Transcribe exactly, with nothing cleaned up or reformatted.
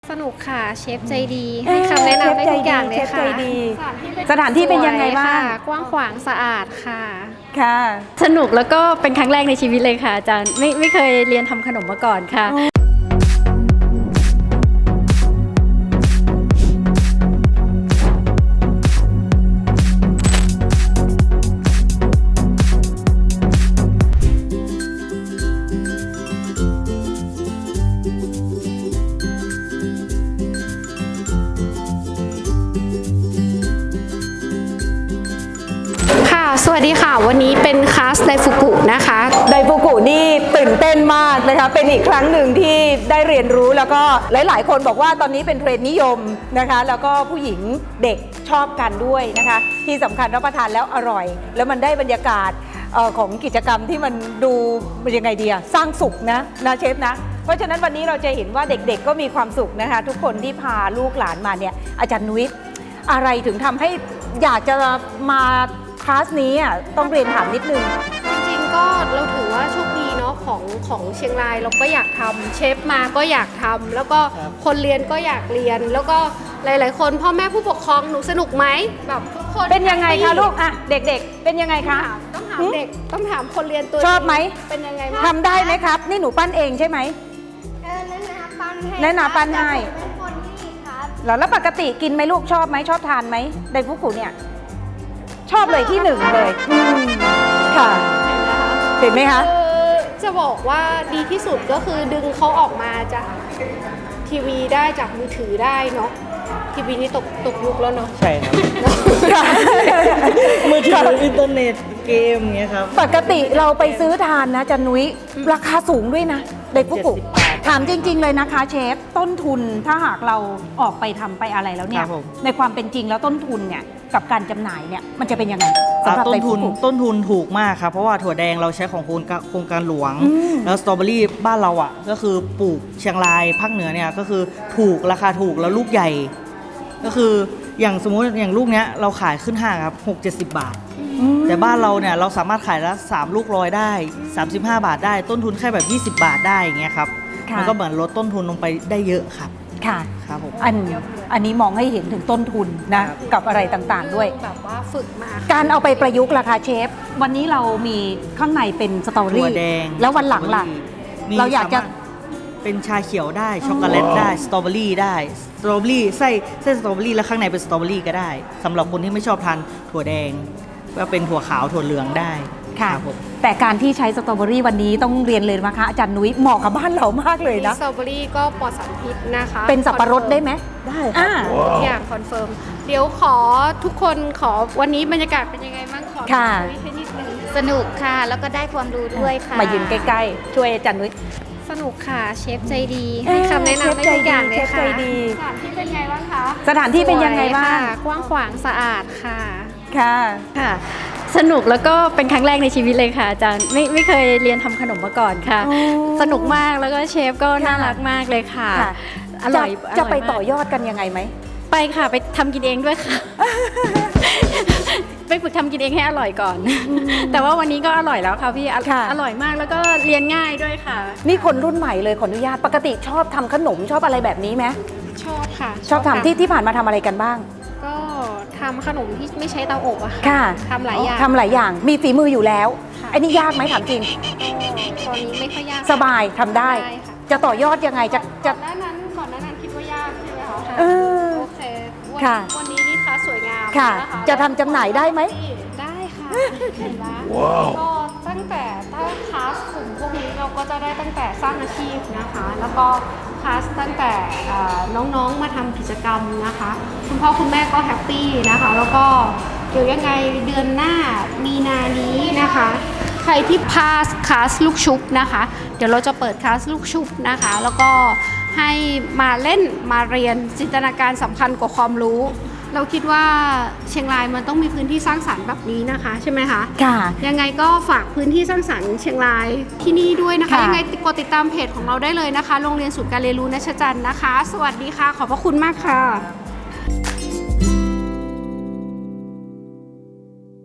สนุกค่ะเชฟใจดีให้คำแนะนำได้ทุกอย่างเลยค่ะสถานที่เป็นยังไงบ้างกว้างขวางสะอาดค่ะค่ะสนุกแล้วก็เป็นครั้งแรกในชีวิตเลยค่ะอาจารย์ไม่ไม่เคยเรียนทำขนมมาก่อนค่ะสวัสดีค่ะวันนี้เป็นคลาสไดฟุกุนะคะไดฟุกุนี่ตื่นเต้นมากนะคะเป็นอีกครั้งหนึ่งที่ได้เรียนรู้แล้วก็หลายๆคนบอกว่าตอนนี้เป็นเทรนด์นิยมนะคะแล้วก็ผู้หญิงเด็กชอบกันด้วยนะคะที่สำคัญรับประทานแล้วอร่อยแล้วมันได้บรรยากาศของกิจกรรมที่มันดูยังไงดีอะสร้างสุขนะนะเชฟนะเพราะฉะนั้นวันนี้เราจะเห็นว่าเด็กๆก็มีความสุขนะคะทุกคนที่พาลูกหลานมาเนี่ยอาจารย์นุ้ยอะไรถึงทำให้อยากจะมาคลาสนี้อ่ะต้องเรียนถามนิดนึงจริงๆก็เราถือว่าโชคดีเนาะของของเชียงรายเราก็อยากทำเชฟมาก็อยากทำแล้วก็คนเรียนก็อยากเรียนแล้วก็หลายๆคนพ่อแม่ผู้ปกครองหนูสนุกไหมแบบทุกคนเป็นยังไงคะลูกอ่ะเด็กๆเป็นยังไงคะต้องถามเด็กต้องถามคนเรียนตัวชอบไหมเป็นยังไงบ้างทำได้ไหมครับนี่หนูปั้นเองใช่ไหมเออแนะนำปั้นให้แนะนำปั้นให้เป็นคนที่ครับแล้วแล้วปกติกินไหมลูกชอบไหมชอบทานไหมไดฟุกุเนี่ยชอบเลยที่หนึ่งเลยค่ะเห็นไหมคะจะบอกว่าดีที่สุดก็คือดึงเขาออกมาจากทีวีได้จากมือถือได้เนาะทีวีนี่ตกตกยุคแล้วเนาะใช่ครับมือถืออินเทอร์เน็ตเกมเงี้ยครับปกติเราไปซื้อทานนะจันนุ้ยราคาสูงด้วยนะไดฟุกุถามจริงๆเลยนะคะเชฟต้นทุนถ้าหากเราออกไปทำไปอะไรแล้วเนี่ยในความเป็นจริงแล้วต้นทุนเนี่ยกับการจำหน่ายเนี่ยมันจะเป็นยังไงสำหรับต้นทุนต้นทุนถูกมากครับเพราะว่าถั่วแดงเราใช้ของโครงการหลวงแล้วสตรอเบอรี่บ้านเราอ่ะก็คือปลูกเชียงรายภาคเหนือเนี่ยก็คือถูกราคาถูกแล้วลูกใหญ่ก็คืออย่างสมมุติอย่างลูกเนี้ยเราขายขึ้นห้างครับหกเจ็ดสิบบาทแต่บ้านเราเนี่ยเราสามารถขายละสามลูกร้อยได้สามสิบห้าบาทได้ต้นทุนแค่แบบยี่สิบบาทได้อย่างเงี้ยครับมันก็เหมือนลดต้นทุนลงไปได้เยอะครับค่ะครับผมอันอันนี้มองให้เห็นถึงต้นทุนนะกับอะไรต่างๆด้วยแบบว่าฝึกมาการเอาไปประยุกต์ราคาเชฟวันนี้เรามีข้างในเป็นสตรอเบอรี่แล้ววันหลังล่ะเราอยากจะเป็นชาเขียวได้ช็อกโกแลตได้สตรอเบอรี่ได้สตรอเบอรี่ไส้ไส้สตรอเบอรี่แล้วข้างในเป็นสตรอเบอรี่ก็ได้สำหรับคนที่ไม่ชอบทานถั่วแดงก็เป็นถั่วขาวถั่วเหลืองได้ค่ะแต่การที่ใช้สตรอเบอรี่วันนี้ต้องเรียนเลยนะคะอาจารย์นุ้ยเหมาะกับบ้านเรามากเลยนะสตรอเบอรี่ก็ปลอดสารพิษนะคะเป็นสับปะรดได้ไหมได้ค่ะอย่างคอนเฟิร์มเดี๋ยวขอทุกคนขอวันนี้บรรยากาศเป็นยังไงบ้างขอคุยให้นิดนึงสนุกค่ะแล้วก็ได้ความรู้ด้วยค่ะมายืนใกล้ๆช่วยอาจารย์นุ้ยสนุกค่ะเชฟใจดีให้คำแนะนำได้ทุกอย่างเลยค่ะสถานที่เป็นไงบ้างคะสถานที่เป็นยังไงบ้างกว้างขวางสะอาดค่ะค่ะค่ะสนุกแล้วก็เป็นครั้งแรกในชีวิตเลยค่ะอาจารย์ไม่ไม่เคยเรียนทำขนมมาก่อนค่ะสนุกมากแล้วก็เชฟก็น่ารักมากเลยค่ะอร่อยจะไปต่อยอดกันยังไงไหมไปค่ะไปทำกินเองด้วยค่ะไปฝึกทำกินเองให้อร่อยก่อนแต่ว่าวันนี้ก็อร่อยแล้วค่ะพี่อร่อยมากแล้วก็เรียนง่ายด้วยค่ะนี่คนรุ่นใหม่เลยขออนุญาตปกติชอบทำขนมชอบอะไรแบบนี้ไหมชอบค่ะชอบทำที่ที่ผ่านมาทำอะไรกันบ้างก็ทำขนมที่ไม่ใช้เตาอบอะค่ะทำหลายอย่างทำหลายอย่างมีฝีมืออยู่แล้วไอ้นี่ยากไหมถามจริงตอนนี้ไม่ค่อยยากสบายทำได้จะต่อยอดยังไงจะจะก่อนหน้านั้นก่อนหน้านั้นคิดว่ายากใช่ไหมคะเออโอเควันนี้นี่คะสวยงามค่ะจะทำจำหน่ายได้ไหมได้ค่ะเห็นไหมก็ตั้งแต่ถ้าคลาสกลุ่มพวกนี้เราก็จะได้ตั้งแต่สร้างอาชีพนะคะแล้วก็คลาสตั้งแต่น้องๆมาทำกิจกรรมนะคะคุณพ่อคุณแม่ก็แฮปปี้นะคะแล้วก็เดี๋ยวยังไงเดือนหน้ามีนานี้นะคะใครที่พาสคลาสลูกชุบนะคะเดี๋ยวเราจะเปิดคลาสลูกชุบนะคะแล้วก็ให้มาเล่นมาเรียนจินตนาการสำคัญกว่าความรู้เราคิดว่าเชียงรายมันต้องมีพื้นที่สร้างสรรค์แบบนี้นะคะใช่ไหมคะค่ะยังไงก็ฝากพื้นที่สร้างสรรค์เชียงรายที่นี่ด้วยนะคะยังไงกดติดตามเพจของเราได้เลยนะคะโรงเรียนศูนย์การเรียนรู้ณชจันทร์นะคะสวัสดีค่ะขอบพระคุณมากค่ะ